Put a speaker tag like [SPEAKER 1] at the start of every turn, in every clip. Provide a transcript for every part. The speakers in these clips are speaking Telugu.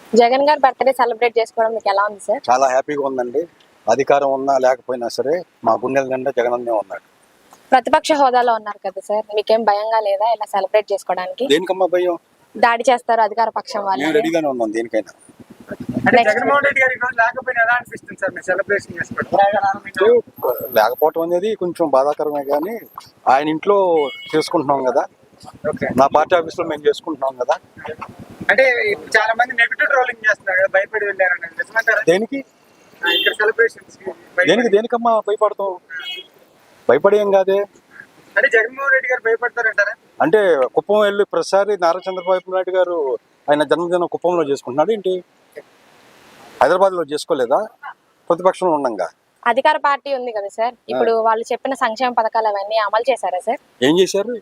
[SPEAKER 1] జగన్ గారి బర్త్డే సెలబ్రేట్ చేసుకోవడం మీకు ఎలా ఉంది సార్?
[SPEAKER 2] చాలా హ్యాపీగా ఉందండి. అధికారం ఉన్నా లేకపోయినా సరే మా గుండెల నిండా జగనన్నే ఉన్నాడు.
[SPEAKER 1] ప్రతిపక్ష హోదాలో ఉన్నారు కదా సార్, మీకేం భయంగా లేదా ఇలా సెలబ్రేట్ చేసుకోవడానికి?
[SPEAKER 2] దేనికమ్మా భయం?
[SPEAKER 1] దాడి చేస్తారు అధికార పక్షం
[SPEAKER 2] మేము
[SPEAKER 1] వాళ్ళు.
[SPEAKER 2] రెడీగానే ఉన్నాం దేనికైనా.
[SPEAKER 3] అంటే
[SPEAKER 1] Next.
[SPEAKER 3] జగన్మోహన్ రెడ్డి గారి రోజు లేకపోయినా ఎలా అనిపిస్తుంది సార్ మీరు సెలబ్రేషన్ చేసుకోవడం?
[SPEAKER 2] లేకపోవటం అనేది కొంచెం బాధాకరమే కానీ ఆయన ఇంట్లో చేసుకుంటున్నాం కదా,
[SPEAKER 3] ఓకే.
[SPEAKER 2] నా పార్టీ ఆఫీస్లో మేము చేసుకుంటున్నాం కదా.
[SPEAKER 3] అంటే చాలా మంది నెగిటివ్ ట్రోలింగ్ చేస్తున్నారు కదా, భయపడి వెళ్ళారని నిజమంటారా?
[SPEAKER 2] దేనికి
[SPEAKER 3] ఇక్కడ సెలబ్రేషన్స్
[SPEAKER 2] దేనికమ్మా భయపడతాం? భయపడేం కాదే.
[SPEAKER 3] అంటే జగన్మోహన్ రెడ్డి గారు భయపడతారంటారా?
[SPEAKER 2] అంటే కుప్పం వెళ్ళి ప్రతిసారి నారా చంద్రబాబు నాయుడు గారు ఆయన జన్మదినం కుప్పంలో చేసుకుంటున్నాడు ఏంటి? హైదరాబాద్లో చేసుకోలేదా? ప్రతిపక్షంలో ఉండంగా
[SPEAKER 1] అధికార పార్టీ ఉంది కదా సార్, ఇప్పుడు వాళ్ళు చెప్పిన సంక్షేమ పథకాలు అవన్నీ అమలు చేశారా సార్?
[SPEAKER 2] ఏం చేశారు?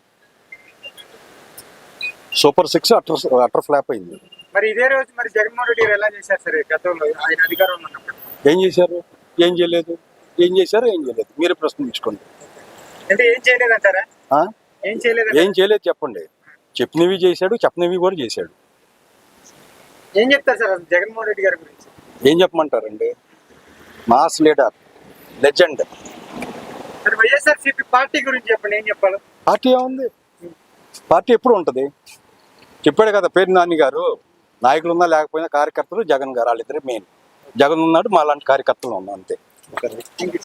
[SPEAKER 2] సూపర్ 6 అటర్ ఫ్లాప్ అయింది.
[SPEAKER 3] మరి ఇదే రోజు మరి జగన్మోహన్ రెడ్డి గారు ఎలా చేశారు సార్ గతంలో ఆయన అధికారంలో ఉన్నప్పుడు?
[SPEAKER 2] ఏం చేశారు? ఏం చేయలేదు. ఏం చేశారు? ఏం చేయలేదు. మీరే ప్రశ్నించుకోండి.
[SPEAKER 3] అంటే ఏం చేయలేదంటారా?
[SPEAKER 2] ఆ?
[SPEAKER 3] ఏం చేయలేదు.
[SPEAKER 2] ఏం చేయలేదు చెప్పండి. చెప్పినవి చేశాడు, చెప్పనివి కూడా చేశాడు.
[SPEAKER 3] ఏం చెప్తారు సార్ అసలు జగన్మోహన్ రెడ్డి గారి గురించి?
[SPEAKER 2] ఏం చెప్పమంటారండి? Mass leader, legend.
[SPEAKER 3] మరి వైఎస్ఆర్సీపీ పార్టీ గురించి చెప్పండి, ఏం చెప్పాలి?
[SPEAKER 2] పార్టీ ఏముంది? పార్టీ ఎప్పుడు ఉంటుంది? చెప్పాడు కదా పేరు నాని గారు, నాయకులు ఉన్నా లేకపోయినా కార్యకర్తలు జగన్ గారు వాళ్ళిద్దరే మెయిన్. జగన్ ఉన్నాడు, మా లాంటి కార్యకర్తలు ఉన్నాం అంతే.